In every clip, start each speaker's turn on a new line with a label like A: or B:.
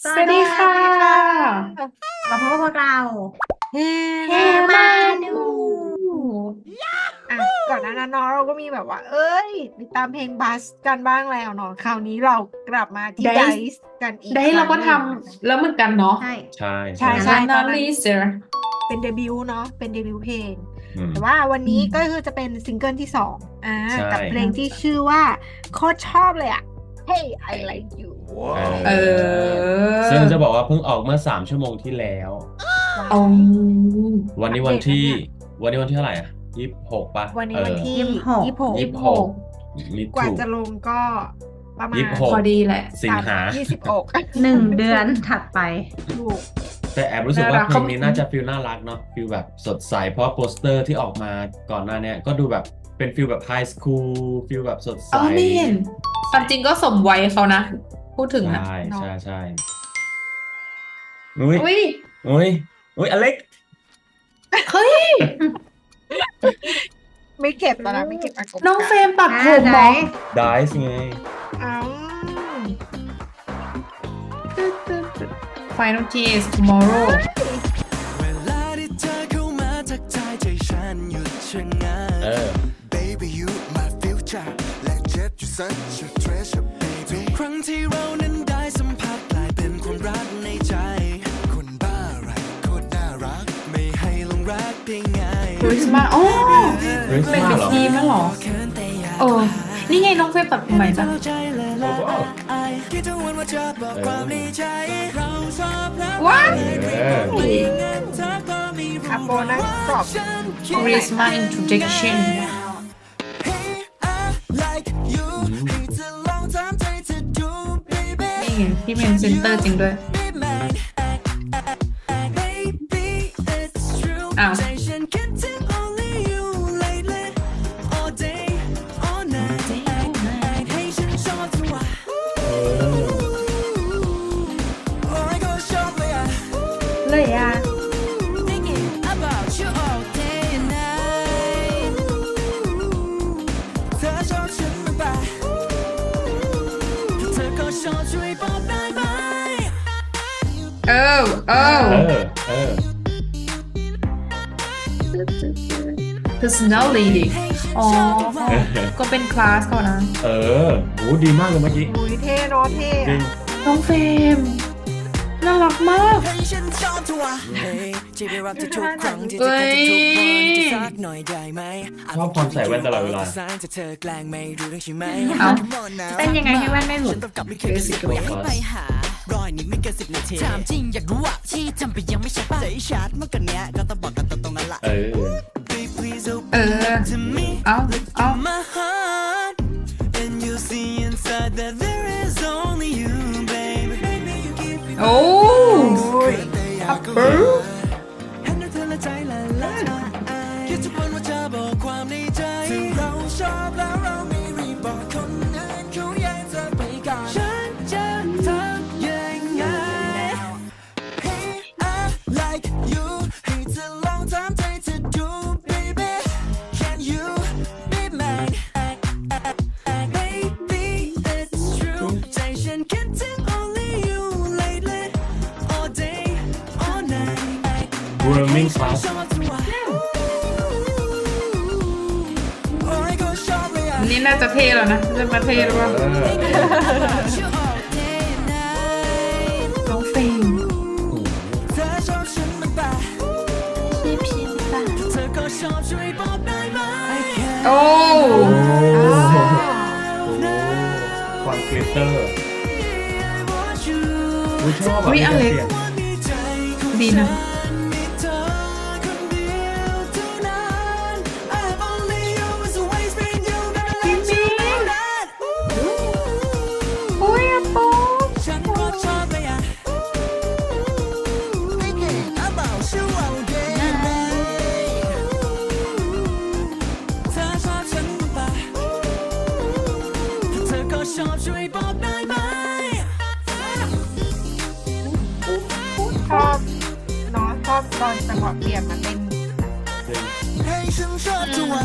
A: สวัสดีค่ะ
B: มาพบกับพวกเรา
A: เฮ้
B: เฮมาดู
A: อ่ะก่อนหน้านั้นเนาะเราก็มีแบบว่า เอ้ยติดตามเพลงบัสกันบ้างแล้วเนาะคราวนี้เรากลับมาที่
C: Dice
A: Dice กันอีก
C: ได้
A: ค
C: เรา
A: รั้ง
C: ก็
A: ห
C: ท
A: นึ่ง
C: ำแล้วเหมือนกันเนาะ
B: ใช่
D: ใช่
A: ใช่
D: ใช่
A: ตอนนั้น
C: Analyzer
A: เป็นเดบิวต์เนาะเป็นเดบิวต์เพลง
D: อืม
A: แต่ว่าวันนี้
C: อืม
A: ก็คือจะเป็นซิงเกิลที่สอง
D: ใช่
A: กับเพลงที่ชื่อว่าโคตรชอบเลยอ่ะ Hey I like you
C: เออ
D: ซึ่งจะบอกว่าเพิ่งออกเมื่อ3 ชั่วโมงที่แล้ว
C: เอา
D: วันนี้วันที่เท่าไหร่อ่ะ26ป่ะ
A: วันนี้วันที่
B: 26
A: 26
D: มิ
A: กว่า
D: ถุ
A: จะลงก็ประมาณ
D: 26
C: พอดีแหละ
D: สิงหา
A: 26
B: 1 เดือนถัดไป
A: ถูก
D: แต่แอบรู้สึก
C: น่ารั
D: ว่าก เพลงนี้
C: เขา
D: น่าจะฟีลน่ารักเนาะฟีลแบบสดใสเพราะว่าโปสเตอร์ที่ออกมาก่อนหน้าเนี้ยก็ดูแบบเป็นฟีลแบบไฮสคูลฟีลแบบสดใส
C: ไม่เห็นความจริงก็สมวัยเขานะ พูดถึงนะ
D: ใช่
A: เนาะ
D: ใช่ใช่อุ้ย
C: อุ้ย
D: อุ้ยอุ้ยอเล็ก
C: เฮ้ย
A: ไม่เก็บแล้วนะไม่เก็บอากง
C: น้องเฟรมตัดผม
B: ไหน
C: เหรอ
D: ได้สิไง
A: อ้าว
C: Final TS tomorrow
E: เวลาที่เธอเข้ามาทักทายใจฉันหยุดชะงัก
D: เออ
E: Baby you my future และเจ็บอยู่ such a treasure baby ทุกครั้งที่เรานั้นได้สัมผัสกลายเป็นความรักในใจ คนบ้าอะไรโคตรน่ารัก ไม่ให้ลงรักได้ง่าย
C: คริสต์มาสอ๋อ
D: คริสต์
C: เป็น
D: มาส
C: บิ๊
D: เหรอ
C: ทีมั้งเหรอ
E: เขินแต่อยาก
C: เออ นี่ไงน้องเฟรมตัดผมใหม่จ้ะ
E: เข้าใจและละอายคิดทุกวันว่าจะบอกความในใจ เราชอบแล้ว
C: ว้า
E: ไม่งั้นเธอก็ไม่รู้
A: อาโปนั่งสอบ
E: ฉันคิด
C: Christmas introduction
E: Hey I like you ให้เธอลองถามใจเธอดู baby
C: นี่ไงที่เป็นเซนเตอร์จริงด้วย
E: Be mine Baby it's true
C: อ้าว
E: ใจฉันคิดถึง only you lately all day all night ให้ฉันชอบเธอว่ะโอ้ยก็ชอบเลยอ่ะ
C: เลยอ่ะ
E: Thinking about you all day and night เธอชอบฉันมากไปเธอก็ชอบช่วยบอกได้ไหม
C: เออ
D: เออ เออ
C: personality อ๋อ ก็เป็นคลาสก่อนนะ
D: เออโหดีมากเลยเมื่อกี้
A: อุ้ยเท่เนาะเท่
D: จริ
A: อะ
D: ง
C: น้องเฟรมน่ารักมาก
E: ให้ฉันชอบเธอว่ะเฮ้ยจะไปรับเธอทุกครั้งที่เธอเกิดทุกวันจะสักหน่อยได้ไหม
D: ชอบความใส่แว่นตลอดเวลา
E: จะเธอแกล้งไม่รู้เรื่องใช่ไหม
C: เอ้าเต้นยังไงให้แว่นไม่หลุด
E: ฉันต้องกลับไม่เคยสิอยากให้ไปหารอยนิดไม่เกิน10 นาทีถามจริงอยากรู้ว่าที่ทำไปยังไม่ใช่ป่ะใจชัดเมื่อกันเนี้ยก็ต้องบอกกันตรงๆนั่นแหละ
D: เออ
E: Please
C: เอ
E: open
C: อ
E: up to me
C: เอาเอา
E: my heart and you see inside that there is only you baby
C: โอ้
E: อัปเปอร์เห็นเธอละใจละลายคิดทุกวันว่าจะบอกความในใจถึงเราชอบแล้วเราไม่รีบบอกคนอื่นเขาแย่งเธอไปก่อนฉันจะทำยังไง Hey I like you ให้เธอลองถามใจเธอดู baby Can you be mine Baby it's true ใจฉันคิดถึง only you lately all day all night
D: grooming class
E: ชอบเธอว่ะโอ้ยก็ชอบเลยอ่ะ
C: นี่น่าจะเท่แล้วนะจะมาเท่หรือเปล่า
D: เออ
E: You all day and night
C: น้องเฟรม
E: เธอชอบฉันมากป่ะเธอก็ชอบช่วยบอกได้ไหม
C: โอ้
D: ความกลิตเตอร์อุ้ยชอบ
C: อุ๊ย
D: อ่ะ
C: อเล็ก
D: มีแต่สียง
C: ดีนะ
E: มีเธอคนเดียวเท่านั้น I have only you as always been you never let you know that
C: โอ้ยอะโป
E: ฉันก็ชอบเลยอ่ะ Thinking about you all day and night เธอชอบฉันปะเธอก็ชอบช่วยบอกได้ไหม
A: ชอบเนาะชอบตอนจังหวะเปลี่ยนมาเป็น
E: ให้ฉันชอบเธอว่ะ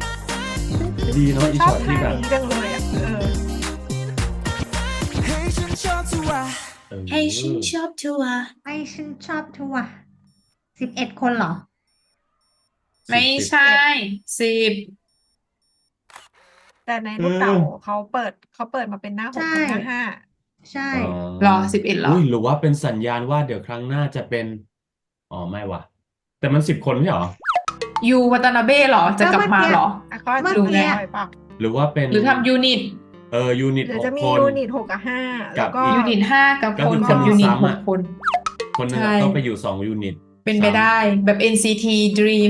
D: ดีเนาะอี
A: ชอ
D: ช็
A: บ
D: อต
A: ท่า
D: ที่แบบ
A: นี้จังเลยอ่ะ
E: ให้ฉันทัวร์
C: ให้ฉันชอบทัวร์
B: ให้ฉันชอบทัวร์11 คนเหรอ
C: ไม่ใช่10
A: แต่ในลูกเต๋าเขาเปิดมาเป็นหน้า6
B: ใช่
A: กับหน้า
B: ใช่
C: หรอ11เหรอ
D: อุ้ยหรือว่าเป็นสัญญาณว่าเดี๋ยวครั้งหน้าจะเป็นอ๋อไม่ว่ะแต่มัน10 คนไม่เหรอ
C: ยูวัตนาเบ้เหรอ จะกลับมาเหรอ
A: 5อ่ะก็
B: เมื่อ
A: ดู
B: กี้
A: แลไปเปล่า
D: หรือว่าเป็น
C: หรือทำยูนิต
D: ยูนิต
A: หรือ
D: ห
A: จะ
D: ก
A: มี
D: คน
A: ยูนิต6 กับ 5 แล้วก็
D: กับ
C: ยูนิต5 กับ
D: ก็
C: คน
D: คือ
C: กับ
D: คน
C: ยูนิต
D: ซ้ำอะ
C: 6 คน
D: คนหนึง
C: ใช่
D: อะต้องไปอยู่2 ยูนิต
C: เป็นไปได้แบบ NCT Dream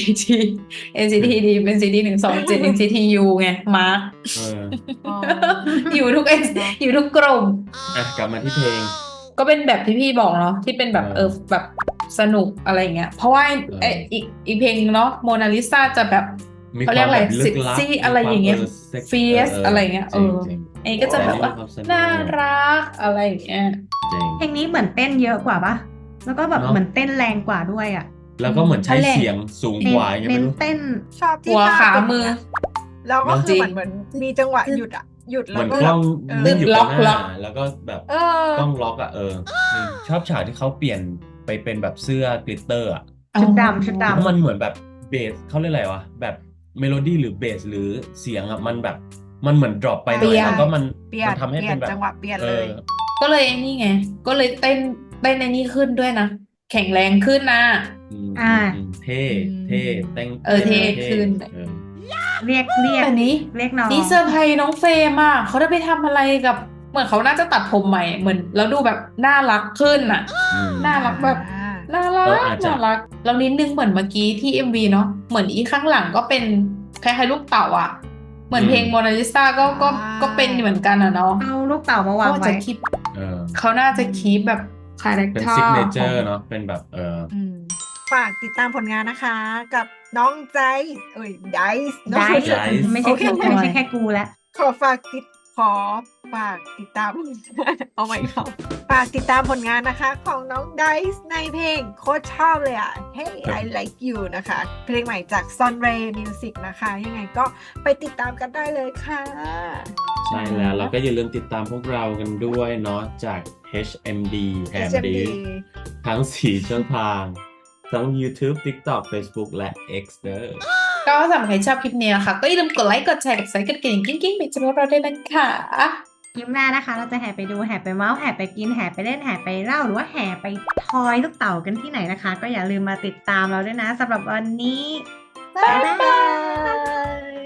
C: NCT Dream NCT 127 NCT U ไงมาร์ค
D: เออ
A: อ๋อ
C: อยู่ทุกอยู่ทุกกลุ่ม
D: อ่ะกลับมาที่เพลง
C: ก็เป็นแบบที่พี่บอกเนาะที่เป็นแบบ
D: เออ
C: แบบสนุกอะไรอย่างเงี้ย เพราะว่า
D: เออ
C: อีกเพลงเนาะโมนาลิซาจะแบบ
D: มี
C: เขาเรียกอะไร
D: ความแบบลึ
C: เซ็
D: ก
C: ก
D: ลับ
C: ซี่
D: มี
C: อะไรอย่างเงี้ย
D: ความเซ็ก
C: เฟียสอะไรเงี้ย
D: จริงจริง
C: ไอ้ก็จะแบบว่า
D: แต่นี่มีความสนุก
C: น่ารักอะไรอย่างเงี้ย
D: จริง
B: เพลงนี้เหมือนเต้นเยอะกว่าปะแล้วก็แบบ
D: เนอะ
B: เหมือนเต้นแรงกว่าด้วยอ่ะ
D: แล้วก็เหมือนใช้
C: นั่นแหละ
D: เสียงสูง
B: เน้
D: ก
B: น
D: ว่ายัง
B: เน้
D: ไม่
B: น
D: รู้
B: เต้น
A: ชอบที่
C: หัว
A: ท่
C: ขา
A: เป็น
C: มือ
A: ย่งเงี้ยแล้วก็
C: จ
A: คื
C: ริ
A: อง เหมือนมีจังหวะหยุดหยุด
D: เห
A: แล้
D: มื
A: ว
D: อน
A: ก็
D: กล้อง
A: เออ
D: นิ่งอยู่
C: ล็
D: กั
C: อบ ก
D: ห
C: ล็
D: น้า
C: อก
D: แล้วก็แบบ
A: เออ
D: กล้องล็อกจริงชอบฉากที่เขาเปลี่ยนไปเป็นแบบเสื้อกลิตเตอร์อะ
B: ชุดดำชุดดำ
D: แล้วมันเหมือนแบบเบสเขาเรียกอะไรวะแบบเมโลดี้หรือเบสหรือเสียงอะมันแบบมันเหมือนดรอปไปหน่อย
C: เปลี่ยน
D: แล้วก็มัน
A: เปลี่ยน
D: ทำให้
A: เปลี่
D: เป็
A: ยน
D: นแบบ
A: จังหวะเปลี่ยน
D: เอ
A: เล
D: อย
C: ก็เลยนี่ไง ก็เลยเต้นในนี้ขึ้นด้วยนะ แข็งแรงขึ้นนะ
D: อืม
B: อ่า
D: เท่เท่เต้น
C: เท่ขึ้น
D: เออ
B: เรียก
C: แต่นี้
B: เรียกน้อง
C: นี่เซอร์ไพรส์น้องเฟรมอ่ะเขาได้ไปทำอะไรกับ เหมือนเขาน่าจะตัดผมใหม่เหมือนแล้วดูแบบน่ารักขึ้นอ่ะ
D: อืม
C: น่ารักแบบ น่ารัก
D: อาจจะ
C: น่ารักแล้วนิดนึงเหมือนเมื่อกี้ที่ MV เนาะเหมือนอีข้างหลังก็เป็นคล้ายๆลูกเต่าอ่ะ เหมือนเพลงโมนาลิซาก็เป็นเหมือนกันอ่ะเนาะ
B: เอาลูกเต่ามาวาง
C: เขา
B: ไว้
C: จะคีป
D: เออ
C: เขาน่าจะคีปแบบคาแรค
D: เป็น
C: เตอร์
D: ซิกเนเจอร์เนาะเป็นแบบ
A: อืมฝากติดตามผลงานนะคะ กับน้องใจไดส์
B: ได้
D: Dice
B: ไม่ใช่แค่
A: โอเค
B: ไม่ใช่แค่กูแล้ว
A: ขอฝากติดตาม เอาใหม่ครับฝากติดตามผลงานนะคะ ของน้องไดส์ในเพลงโคตรชอบเลยอ่ะ Hey I Like You นะคะ เพลงใหม่จาก Sunray Music นะคะ ยังไงก็ไปติดตามกันได้เลยค่ะ
D: ใช่แล้วเราก็อย่าลืมติดตามพวกเรากันด้วยเนาะจาก HMD
A: HMD
D: ทั้ง 4 ช่องทาง ทั้ง YouTube TikTok Facebook และ X เด้อ
C: ก็สำหรับใครชอบคลิปนี้นะคะ ก็อย่าลืมกดไลค์กดแชร์กด Subscribe กดกระดิ่งกิ๊งๆเป็นจำนวนเราด้วยนะคะ
B: คลิปหน้านะคะ เราจะแห่ไปดูแห่ไปเมาส์แห่ไปกินแห่ไปเล่นแห่ไปเล่าหรือว่าแห่ไปทอยลูกเต่ากันที่ไหนนะคะ ก็อย่าลืมมาติดตามเราด้วยนะสำหรับวันนี้
A: บ๊ายบาย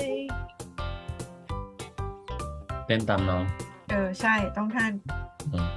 D: เต้นตามน้อง
A: ใช่ต้องท่าน
D: อืม